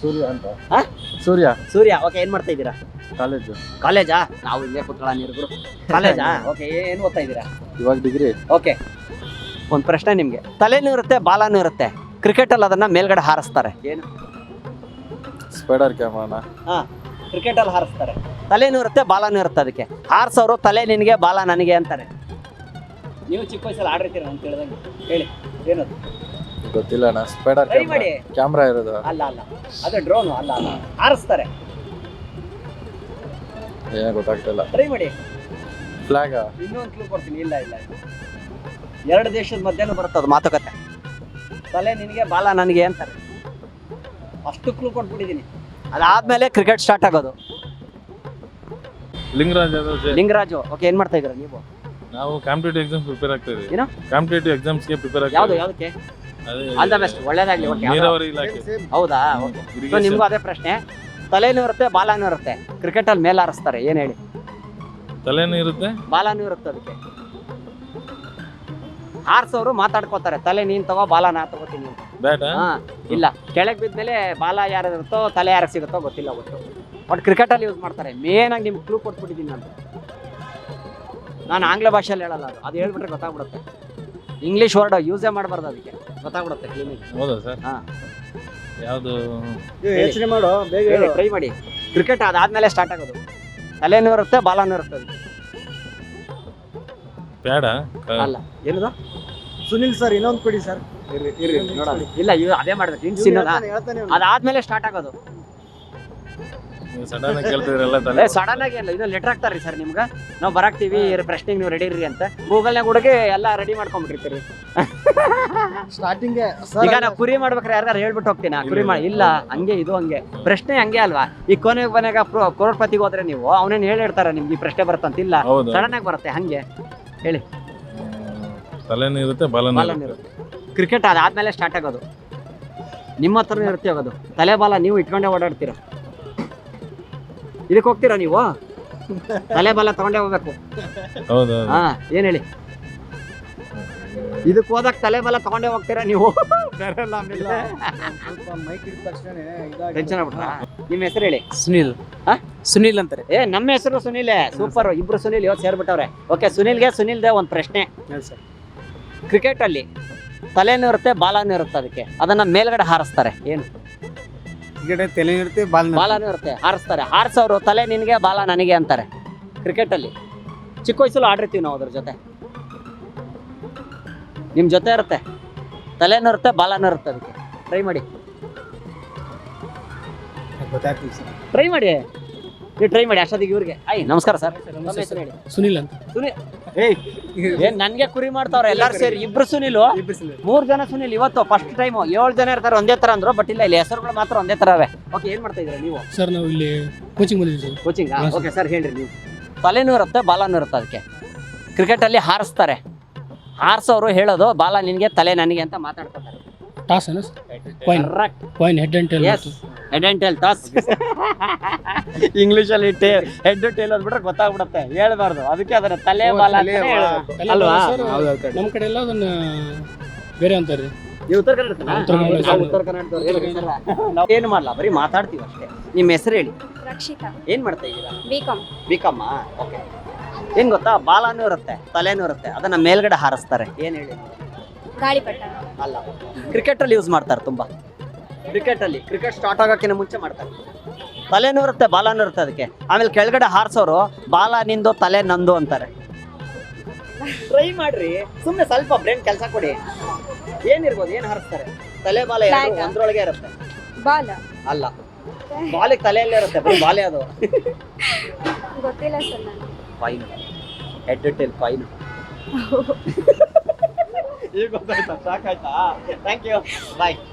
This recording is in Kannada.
ಸೂರ್ಯ ಅಂತ. ಹಾ? ಸೂರ್ಯ. ಸೂರ್ಯ. ಓಕೆ, ಏನ್ ಮಾಡ್ತಾ ಇದ್ದೀರಾ? ಕಾಲೇಜು. ಕಾಲೇಜಾ? ನಾವು ಇಲ್ಲೇ ಕುತ್ಕೊಳ್ಳ ನೀರು. ಕಾಲೇಜಾ? ಓಕೆ, ಏನ್ ಓದ್ತಾ ಇದ್ದೀರಾ? ಇವಾಗ ಡಿಗ್ರಿ. ಓಕೆ, ಒಂದು ಪ್ರಶ್ನೆ ನಿಮ್ಗೆ. ತಲೆನೂ ಇರುತ್ತೆ, ಬಾಲನೂ ಇರುತ್ತೆ. ಕ್ರಿಕೆಟ್ ಅಲ್ಲಿ ಅದನ್ನ ಮೇಲ್ಗಡೆ ಹಾರಿಸ್ತಾರೆ, ಏನು? ಸ್ಪೈಡರ್ ಕ್ಯಾಮರಾನ. ಹಾ, ಕ್ರಿಕೆಟ್ ಅಲ್ಲಿ ಹಾರಿಸ್ತಾರೆ. ತಲೆನೂ ಇರುತ್ತೆ, ಬಾಲನೂ ಇರುತ್ತೆ. ಅದಕ್ಕೆ ಹಾರಿಸೋರು ತಲೆ ನಿನಗೆ, ಬಾಲ ನನಗೆ ಅಂತಾರೆ. ನೀವು ಚಿಕ್ಕ ವಯಸ್ಸಲ್ಲಿ ಆಡಿರ್ತೀರ ಅಂತ ಹೇಳ್ದಂಗೆ. ಹೇಳಿ, ಏನದು? ಗೊತ್ತಿಲ್ಲ ಅಣ್ಣ. ಸ್ಪೈಡರ್ ಟ್ರೈ ಮಾಡಿ. ಕ್ಯಾಮ್ರಾ ಇರೋದು. ಅಲ್ಲ ಅಲ್ಲ, ಅದು ಡ್ರೋನು. ಅಲ್ಲ ಅಲ್ಲ, ಹಾರಿಸ್ತಾರೆ. ಏನ ಗೊತ್ತಾಗ್ತಿಲ್ಲ. ಟ್ರೈ ಮಾಡಿ. ಫ್ಲಾಗ್. ಇನ್ನೊಂದು ಕ್ಲೂ ಕೊಡ್ತೀನಿ. ಇಲ್ಲ ಇಲ್ಲ, ಎರಡು ದೇಶದ ಮಧ್ಯನೂ ಬರುತ್ತದು ಮಾತುಕತೆ. ತಲೆ ನಿನಗೆ, ಬಾಲ ನನಗೆ ಅಂತಾರೆ. ಅಷ್ಟು ಕ್ಲೂ ಕೊಟ್ಬಿಟ್ಟಿದ್ದೀನಿ. ಅದಾದ್ಮೇಲೆ ಕ್ರಿಕೆಟ್ ಸ್ಟಾರ್ಟ್ ಆಗೋದು. ಲಿಂಗರಾಜು. ಓಕೆ, ಏನ್ ಮಾಡ್ತಾ ಇದ್ದೀರಾ ನೀವು? ನಾವು ಕಾಂಪಿಟೇಟಿವ್ ಎಕ್ಸಾಮ್ ಪ್ರಿಪೇರ್ ಆಗ್ತಾ ಇದೀವಿ. ಏನು? ಕಾಂಪಿಟೇಟಿವ್ ಎಕ್ಸಾಮ್ಸ್ಗೆ ಪ್ರಿಪೇರ್ ಆಗ್ತಾ ಯಾವ್ದು ಯಾವ್ದಕ್ಕೆ? ಆಲ್ ದ ಬೆಸ್ಟ್, ಒಳ್ಳೇದಾಗ್ಲಿ. ಓಕೆ, ನೀರಾವರಿ ಇಲಾಖೆ. ಹೌದಾ? ಓಕೆ, ಸೊ ನಿಮ್ಗೂ ಅದೇ ಪ್ರಶ್ನೆ. ತಲೆನೂ ಇರುತ್ತೆ, ಬಾಲನೂ ಇರುತ್ತೆ. ಕ್ರಿಕೆಟ್ ಅಲ್ಲಿ ಮೇಲೆ ಹಾರಿಸ್ತಾರೆ, ಏನ್ ಹೇಳಿ? ತಲೆನೂ ಇರುತ್ತೆ, ಬಾಲನೂ ಇರುತ್ತೆ. ಅದಕ್ಕೆ ಹಾರಿಸೋರು ಮಾತಾಡ್ಕೋತಾರೆ, ತಲೆ ನೀನ್ ತಗೋ, ಬಾಲ ನಾ ತಗೋತೀನಿ ಅಂತ. ಬ್ಯಾಟಾ? ಹಾ, ಇಲ್ಲ, ಕೆಳಗೆ ಬಿದ್ಮೇಲೆ ಬಾಲ ಯಾರು ಇರುತ್ತೋ ತಲೆ ಯಾರಿಗೆ ಸಿಗುತ್ತೋ ಗೊತ್ತಿಲ್ಲ. ಒಟ್ಟು ಬಟ್ ಕ್ರಿಕೆಟ್ ಅಲ್ಲಿ ಯೂಸ್ ಮಾಡ್ತಾರೆ. ಮೇನ್ ಆಗಿ ನಿಮ್ಗೆ ಕ್ಲೂ ಕೊಟ್ಬಿಟ್ಟಿದ್ದೀನಿ ನಾನು ಆಂಗ್ಲ ಭಾಷೆಯಲ್ಲಿ ಹೇಳಲ್ಲ. ಅದು ಹೇಳ್ಬಿಟ್ರೆ ಗೊತ್ತಾಗ್ಬಿಡುತ್ತೆ. ಇಂಗ್ಲಿಷ್ ವರ್ಡ್ ಯೂಸೇ ಮಾಡಬಾರ್ದು, ಅದಕ್ಕೆ ಗೊತ್ತಾಗ್ಬಿಡುತ್ತೆ ಕ್ಲೀನಿಕ್. ಹೌದಾ ಸರ್? ಹಾ, ಯಾವುದು? ಯೋಚನೆ ಮಾಡು, ಬೇಗ ಹೇಳು. ಟ್ರೈ ಮಾಡಿ. ಕ್ರಿಕೆಟ್ ಅದಾದ್ಮೇಲೆ ಸ್ಟಾರ್ಟ್ ಆಗೋದು. ತಲೆನೂ ಇರುತ್ತೆ, ಬಾಲನೂ ಇರುತ್ತೆ. ಅದಕ್ಕೆ ಬ್ಯಾಡ? ಅಲ್ಲ, ಏನದು? ಸುನಿಲ್ ಸರ್, ಇನ್ನೊಂದು ಕೊಡಿ ಸರ್. ನೋಡೋಣ. ಇಲ್ಲ, ಅದೇ ಮಾಡ್ಬೇಕು. ಹಿಂಟ್ಸ್ ಇನ್ನೊಂದಾ? ಅದಾದ್ಮೇಲೆ ಸ್ಟಾರ್ಟ್ ಆಗೋದು. ನೀವು ಸಡನ್ ಆಗಿ ಕೇಳ್ತಿದ್ರಲ್ಲ ತಲೆ. ಸಡನ್ ಆಗಿ ಅಲ್ಲ, ಇದು ಲೆಟರ್ ಹಾಕ್ತಾರ್ರಿ ಸರ್ ನಿಮ್ಗೆ. ನಾವು ಬರಾಕ್ತೀವಿ, ಪ್ರಶ್ನೆಗೆ ನೀವು ರೆಡಿ ಇರ್ರಿ ಅಂತ ಗೂಗಲ್ನಾಗ ಹುಡುಗಿ ಎಲ್ಲ ರೆಡಿ ಮಾಡ್ಕೊಂಡ್ಬಿಟ್ಟಿರ್ತೀರಿ. ಸ್ಟಾರ್ಟಿಂಗ್ ಈಗ ನಾವು ಕುರಿ ಮಾಡ್ಬೇಕಾರೆ ಯಾರು ಹೇಳ್ಬಿಟ್ಟು ಹೋಗ್ತೀನಿ ಕುರಿ ಮಾಡಿ. ಇಲ್ಲ, ಹಂಗೆ ಇದು ಹಂಗೆ ಪ್ರಶ್ನೆ ಹಂಗೆ ಅಲ್ವಾ? ಈ ಕೊನೆಗೆ ಕರೋಡ್ಪತಿಗೆ ಹೋದ್ರೆ ನೀವು ಅವನೇನು ಹೇಳಿರ್ತಾರೆ ನಿಮ್ಗೆ ಈ ಪ್ರಶ್ನೆ ಬರುತ್ತಂತಿಲ್ಲ. ಸಡನ್ ಆಗಿ ಬರುತ್ತೆ. ಹಂಗೆ ಹೇಳಿ. ತಲೆನೂ ಇರುತ್ತೆ, ಬಾಲನೂ ಇರುತ್ತೆ. ಕ್ರಿಕೆಟ್ ಅದಾದ್ಮೇಲೆ ಸ್ಟಾರ್ಟ್ ಆಗೋದು. ನಿಮ್ಮ ಹತ್ರನೇ ಇರುತ್ತೆ ಆಗೋದು. ತಲೆ ಬಾಲ ನೀವು ಇಟ್ಕೊಂಡೇ ಓಡಾಡ್ತೀರ. ಇದಕ್ಕೆ ಹೋಗ್ತೀರಾ ನೀವು? ತಲೆ ಬಾಲ ತಗೊಂಡೇ ಹೋಗ್ಬೇಕು. ಹೌದು. ಹಾ, ಏನ್ ಹೇಳಿ? ಇದಕ್ಕೆ ಹೋದಾಗ ತಲೆ ಬಾಲ ತಗೊಂಡೇ ಹೋಗ್ತೀರಾ ನೀವು? ಟೆನ್ಷನ್ ಆಗ್ಬಿಟ್ರಾ? ನಿಮ್ಮ ಹೆಸರು ಹೇಳಿ. ಸುನಿಲ್. ಸುನಿಲ್ ಅಂತಾರೆ. ನಮ್ಮ ಹೆಸರು ಸುನಿಲ್. ಸೂಪರ್, ಇಬ್ರು ಸುನಿಲ್ ಇವತ್ತು ಸೇರ್ಬಿಟ್ಟವ್ರೆ. ಓಕೆ, ಸುನಿಲ್ಗೆ ಸುನಿಲ್ದೆ ಒಂದು ಪ್ರಶ್ನೆ. ಕ್ರಿಕೆಟ್ ಅಲ್ಲಿ ತಲೆನೂ ಇರುತ್ತೆ, ಬಾಲನೂ ಇರುತ್ತೆ. ಅದಕ್ಕೆ ಅದನ್ನ ಮೇಲ್ಗಡೆ ಹಾರಿಸ್ತಾರೆ, ಏನು? ತಲೆ ಇರುತ್ತೆ, ಬಾಲನೂ ಇರುತ್ತೆ, ಹಾರಿಸ್ತಾರೆ. ಹಾರಿಸೋರು ತಲೆ ನಿನಗೆ, ಬಾಲ ನನಗೆ ಅಂತಾರೆ. ಕ್ರಿಕೆಟ್ ಅಲ್ಲಿ ಚಿಕ್ಕ ವಯಸ್ಸಲ್ಲಿ ಆಡಿರ್ತೀವಿ ನಾವು ಅದ್ರ ಜೊತೆ. ನಿಮ್ ಜೊತೆ ಇರುತ್ತೆ. ತಲೆನೂ ಇರುತ್ತೆ, ಬಾಲನೂ ಇರುತ್ತೆ. ಅದಕ್ಕೆ ಟ್ರೈ ಮಾಡಿ. ಟ್ರೈ ಮಾಡಿ, ನೀವು ಟ್ರೈ ಮಾಡಿ. ಅಷ್ಟೊತ್ತಿಗೆ ಇವ್ರಿಗೆ ನಮಸ್ಕಾರ ಸರ್. ಸುನಿಲ್ ಅಂತ. ಸುನಿಲ್ ಏನ್ ನನ್ಗೆ ಕುರಿ ಮಾಡ್ತಾವ್ರೆ ಎಲ್ಲಾರು ಸೇರಿ? ಇಬ್ರು ಸುನಿಲ್, 3 ಜನ ಸುನಿಲ್. ಇವತ್ತು ಫಸ್ಟ್ ಟೈಮ್ 7 ಜನ ಇರ್ತಾರೆ ಒಂದೇ ತರ ಅಂದ್ರು. ಬಟ್ ಇಲ್ಲ, ಇಲ್ಲಿ ಹೆಸರುಗಳು ಮಾತ್ರ ಒಂದೇ ತರ ಅವೆ. ಓಕೆ, ಏನ್ ಮಾಡ್ತಾ ಇದ್ದೀರಾ ನೀವು? ಸರ್ ನಾವು ಇಲ್ಲಿ ಕೋಚಿಂಗ್ ಬಂದಿದ್ದೀವಿ. ಕೋಚಿಂಗ್? ಓಕೆ ಸರ್, ಹೇಳ್ರಿ ನೀವು. ತಲೆನೂ ಇರುತ್ತೆ, ಬಾಲನೂ ಇರುತ್ತೆ. ಅದಕ್ಕೆ ಕ್ರಿಕೆಟ್ ಅಲ್ಲಿ ಹಾರಿಸ್ತಾರೆ. ಹಾರಿಸೋರು ಹೇಳೋದು ಬಾಲ ನಿನ್ಗೆ, ತಲೆ ನನಗೆ ಅಂತ ಮಾತಾಡ್ಕೊತಾರೆ. ಟಾಸ್ ಏನು? Coin, head and tail. Head and tail toss. English ಅಲ್ಲಿ ಹೆಡ್ ಟೇಲ್ ಅಂದ್ಬಿಟ್ರೆ ಗೊತ್ತಾಗ್ಬಿಡುತ್ತೆ, ಹೇಳ್ಬಾರ್ದು. ಅದಕ್ಕೆ ಅದನ್ನ ತಲೆ ಬಾಲ ಅಲ್ವಾ? ನಮ್ಮ ಕಡೆ ಎಲ್ಲ ಅದನ್ನ ಬೇರೆ ಅಂತಾರೆ. ನೀವು ಉತ್ತರ ಕನ್ನಡ? ಉತ್ತರ ಕನ್ನಡ. ಏನು ಮಾಡಲ್ಲ, ಬರೀ ಮಾತಾಡ್ತೀವಿ ಅಷ್ಟೇ. ನಿಮ್ಮ ಹೆಸರು ಹೇಳಿ. ರಕ್ಷಿತಾ. ಏನ್ ಮಾಡ್ತಾ ಇದ್ದೀರಾ? ಬಿಕಾಮ್. ಓಕೆ, ಏನ್ ಗೊತ್ತಾ? ಬಾಲನೂ ಇರುತ್ತೆ, ತಲೆನೂ ಇರುತ್ತೆ. ಅದನ್ನ ಮೇಲ್ಗಡೆ ಹಾರಿಸ್ತಾರೆ, ಏನ್ ಹೇಳಿ? ಗಾಳಿಪಟ. ಅಲ್ಲ, ಕ್ರಿಕೆಟ್ ಅಲ್ಲಿ ಯೂಸ್ ಮಾಡ್ತಾರೆ ತುಂಬಾ. ಕ್ರಿಕೆಟ್ ಸ್ಟಾರ್ಟ್ ಆಗೋಕ್ಕಿಂತ ಮುಂಚೆ ಮಾಡ್ತಾರೆ. ತಲೆನೂ ಇರುತ್ತೆ, ಬಾಲನೂ ಇರುತ್ತೆ. ಅದಕ್ಕೆ ಆಮೇಲೆ ಕೆಳಗಡೆ ಹಾರಿಸೋರು ಬಾಲ ನಿಂದು, ತಲೆ ನಂದು ಅಂತಾರೆ. ಟ್ರೈ ಮಾಡ್ರಿ, ಸುಮ್ಮನೆ ಸ್ವಲ್ಪ ಬ್ರೈನ್ ಕೆಲಸ ಕೊಡಿ. ಏನಿರ್ಬೋದು? ಏನ್ ಹಾರಿಸ್ತಾರೆ? ತಲೆ ಬಾಲ ಒಂದ್ರೊಳಗೆ ಇರುತ್ತೆ. ಬಾಲ ಅಲ್ಲ, ಬಾಲಿಗೆ ತಲೆಯಲ್ಲೇ ಇರುತ್ತೆ, ಬರೀ ಬಾಲೆ ಅದು. ಗೊತ್ತಿಲ್ಲ ಸರ್ ನನಗೆ. Coin, head tail coin. ಈಗ ಗೊತ್ತಾಯ್ತಾ? ಸಾಕಾಯ್ತಾ? Thank you, bye.